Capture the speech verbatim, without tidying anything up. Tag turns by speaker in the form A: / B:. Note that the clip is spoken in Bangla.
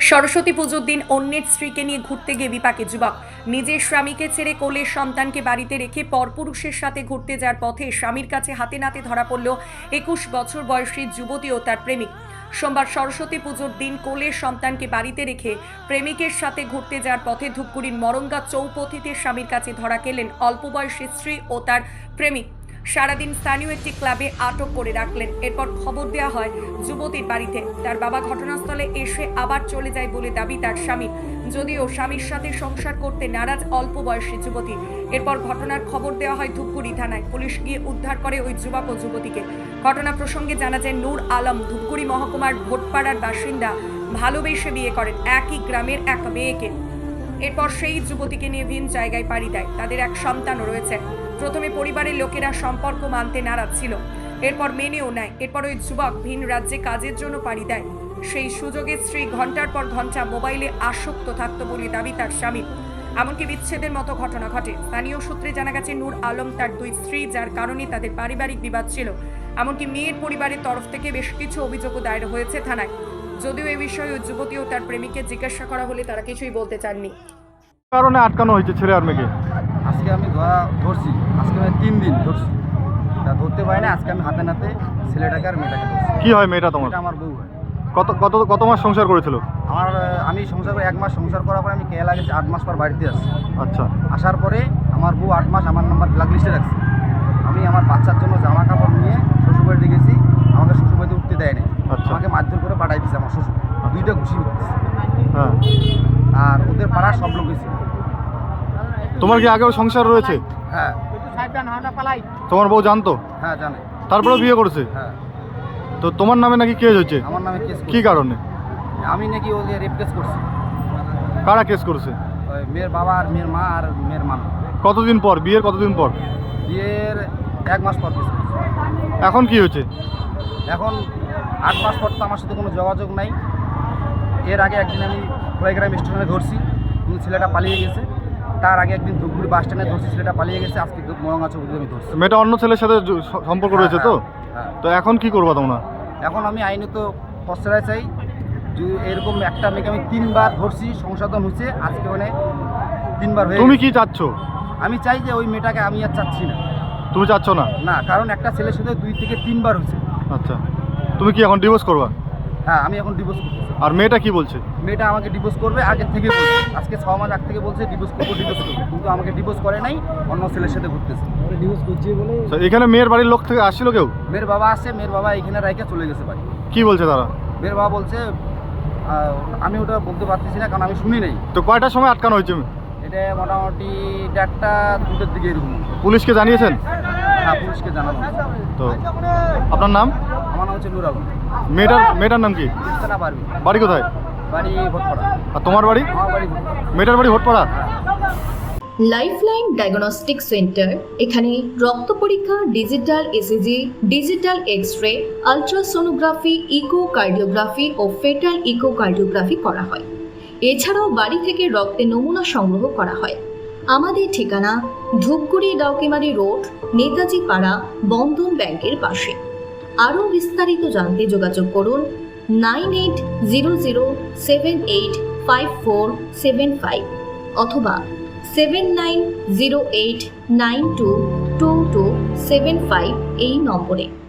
A: সরস্বতী পুজোর দিন অন্যের স্ত্রীকে নিয়ে ঘুরতে গিয়ে বিপাকে যুবক। নিজের স্বামীকে ছেড়ে কোলের সন্তানকে বাড়িতে রেখে পরপুরুষের সাথে ঘুরতে যাওয়ার পথে স্বামীর কাছে হাতে নাতে ধরা পড়ল একুশ বছর বয়সী যুবতী ও তার প্রেমিক। সোমবার সরস্বতী পুজোর দিন কোলের সন্তানকে বাড়িতে রেখে প্রেমিকের সাথে ঘুরতে যাওয়ার পথে ধূপগুড়ির মরঙ্গা চৌপথিতে স্বামীর কাছে ধরা খেলেন অল্প বয়সী স্ত্রী ও তার প্রেমিক। সারাদিন স্থানীয় একটি ক্লাবে আটক করে রাখলেন। এরপর খবর দেওয়া হয় যুবতীর বাড়িতে। তার বাবা ঘটনাস্থলে এসে আবার চলে যায় বলে দাবি তার স্বামীর, যদিও স্বামীর সাথে সংসার করতে নারাজ অল্প বয়সী যুবতী। এরপর ঘটনার খবর দেওয়া হয় ধূপগুড়ি থানায়। পুলিশ গিয়ে উদ্ধার করে ওই যুবক ও যুবতীকে। ঘটনা প্রসঙ্গে জানা যায় নূর আলম ধূপগুড়ি মহকুমার ভোটপাড়ার বাসিন্দা, ভালোবেসে বিয়ে করেন একই গ্রামের এক মেয়েকে। এরপর সেই যুবতীকে নিয়ে ভিন জায়গায় পাড়ি দেয়। তাদের এক সন্তানও রয়েছে। প্রথমে পরিবারের লোকেরা সম্পর্ক মানতে নারাজ ছিল, এরপর মেনেও নেয়। এরপর ওই যুবক ভিন রাজ্যে কাজের জন্য পাড়ি দেয়। সেই সুযোগে স্ত্রী ঘন্টার পর ঘন্টা মোবাইলে আসক্ত থাকত বলে দাবি তার স্বামীর। এমনকি বিচ্ছেদের মতো ঘটনা ঘটে। স্থানীয় সূত্রে জানা গেছে নূর আলম তার দুই স্ত্রী, যার কারণে তাদের পারিবারিক বিবাদ ছিল। এমনকি মেয়ের পরিবারের তরফ থেকে বেশ কিছু অভিযোগও দায়ের হয়েছে থানায়। যদিও এই বিষয়ে ওই যুবতী ও তার প্রেমিককে জিজ্ঞাসা করা হলে তারা কিছুই বলতে চাননি।
B: কারণে আটকানো হয়েছে ছেলে আর মেয়েকে?
C: আজকে আমি ধরা ধরছি, আজকে আমি তিন দিন ধরছি, তা ধরতে পারি না। আজকে আমি হাতে নাতে ছেলেটাকে আর মেয়েটাকে ধরছি।
B: কি হয় মেয়েটা তোমার?
C: এটা আমার বউ হয়।
B: কত কত কত মাস সংসার করেছিল?
C: আমার আমি সংসার করে এক মাস সংসার করার পরে আমি কেয়া লাগে আট মাস পর বাড়িতে আসছি।
B: আচ্ছা।
C: আসার পরে আমার বউ আট মাস আমার নাম্বার ব্ল্যাক লিস্টে রাখছে। আমি আমার বাচ্চার জন্য জামা কাপড় নিয়ে শ্বশুরবাড়িতে গেছি, আমাকে শ্বশুরবাড়িতে উঠতে দেয় নাই।
B: আচ্ছা।
C: আমাকে মারধর করে পাঠাই দিচ্ছে আমার শ্বশুর, দুইটা ঘুষি দিচ্ছে।
B: হ্যাঁ।
C: আর ওদের পাড়ার সব লোক ছিল।
B: তোমার কি আগেও সংসার রয়েছে?
C: হ্যাঁ।
B: তোমার বউ জানতো?
C: হ্যাঁ জানে।
B: তারপরে বিয়ে করেছে?
C: হ্যাঁ।
B: তো তোমার নামে নাকি কেস হয়েছে?
C: আমার নামে কেস।
B: কি কারণে?
C: আমি নাকি ওকে রেপ কেস করছি।
B: কারা কেস করেছে?
C: ওই মেয়ের বাবা আর মেয়ের মা আর মেয়ের মা।
B: কতদিন পর বিয়ের? কতদিন পর?
C: বিয়ের এক মাস পর কেস করছি।
B: এখন কি হয়েছে?
C: এখন আট মাস পর তো আমার সাথে কোনো যোগাযোগ নাই। এর আগে একদিন আমি খোলাইগ্রাম স্টেশনে ধরছি, কিন্তু ছেলেটা পালিয়ে গেছে। তার আগে একদিন ধূপগুড়ি বাস স্ট্যান্ডে ধরছি, ছেলেটা পালিয়ে গেছে। আজকে মরঙ্গা চৌপথিতে আমি ধরছি।
B: মেয়েটা অন্য ছেলের সাথে জ- সম্পর্ক রয়েছে তো?
C: হ্যাঁ।
B: তো এখন কি করবা তোমরা?
C: এখন আমি আইনত প্রশ্রয় চাই। যে এরকম একটা মেয়েকে আমি তিনবার ধরছি, সংশোধন হয়েছে, আজকে মানে তিনবার হয়ে
B: তুমি
C: গেছে।
B: কি চাচ্ছ?
C: আমি চাই যে ওই মেয়েটাকে আমি আর চাচ্ছি না।
B: তুমি চাচ্ছ না?
C: না, কারণ একটা ছেলের সাথে দুই থেকে তিনবার হয়েছে।
B: আচ্ছা। তুমি কি এখন ডিভোর্স করবা?
C: হ্যাঁ, আমি এখন ডিভোর্স করছি।
B: আর মেয়েটা কি বলছে?
C: মেয়েটা আমাকে ডিভোর্স করবে আগের থেকে বলছে। আজকে ছ মাস আগ থেকে বলছে ডিভোর্স করবো ডিভোর্স করবো, কিন্তু আমাকে ডিভোর্স করে নাই, অন্য ছেলের সাথে ঘুরতেছে। ডিভোর্স করছি বলে
B: তো এখানে মেয়ের বাড়ির লোক থেকে আসছিল কেউ?
C: মেয়ের বাবা আসছে, মেয়ের বাবা এখানে রাইকে চলে গেছে বাড়ি।
B: কি বলছে তারা?
C: মেয়ের বাবা বলছে আহ, আমি ওটা বলতে পারতেছি না, কারণ আমি শুনি নাই।
B: তো কয়টার সময় আটকানো হয়েছে?
C: এটা মোটামুটি দেড়টা দুটোর দিকে এরকম।
B: পুলিশকে জানিয়েছেন?
C: হ্যাঁ, পুলিশকে জানানো।
B: তো আপনার নাম?
C: আমার নাম হচ্ছে নুর আলম।
B: মেয়েটার মেয়েটার নাম কি?
C: না পারবি।
B: বাড়ি কোথায়?
C: বাড়ি ভোটপাড়া।
B: আর তোমার বাড়ি?
C: আমার বাড়ি ভোটপাড়া।
B: মেয়েটার বাড়ি ভোটপাড়া।
D: Lifeline diagnostic centre. এখানে রক্ত পরীক্ষা, digital ECG, digital x-ray, ultrasonography, echocardiography ও ফেটাল ইকোকার্ডিওগ্রাফি করা হয়। এছাড়াও বাড়ি থেকে রক্তের নমুনা সংগ্রহ করা হয়। আমাদের ঠিকানা ধূপগুড়ি ডাউকিমারি রোড, নেতাজি পাড়া, বন্ধন ব্যাংকের পাশে। আরও বিস্তারিত জানতে যোগাযোগ করুন nine eight zero zero seven eight five four seven five অথবা seven nine zero eight nine two two two seven five এই নম্বরে।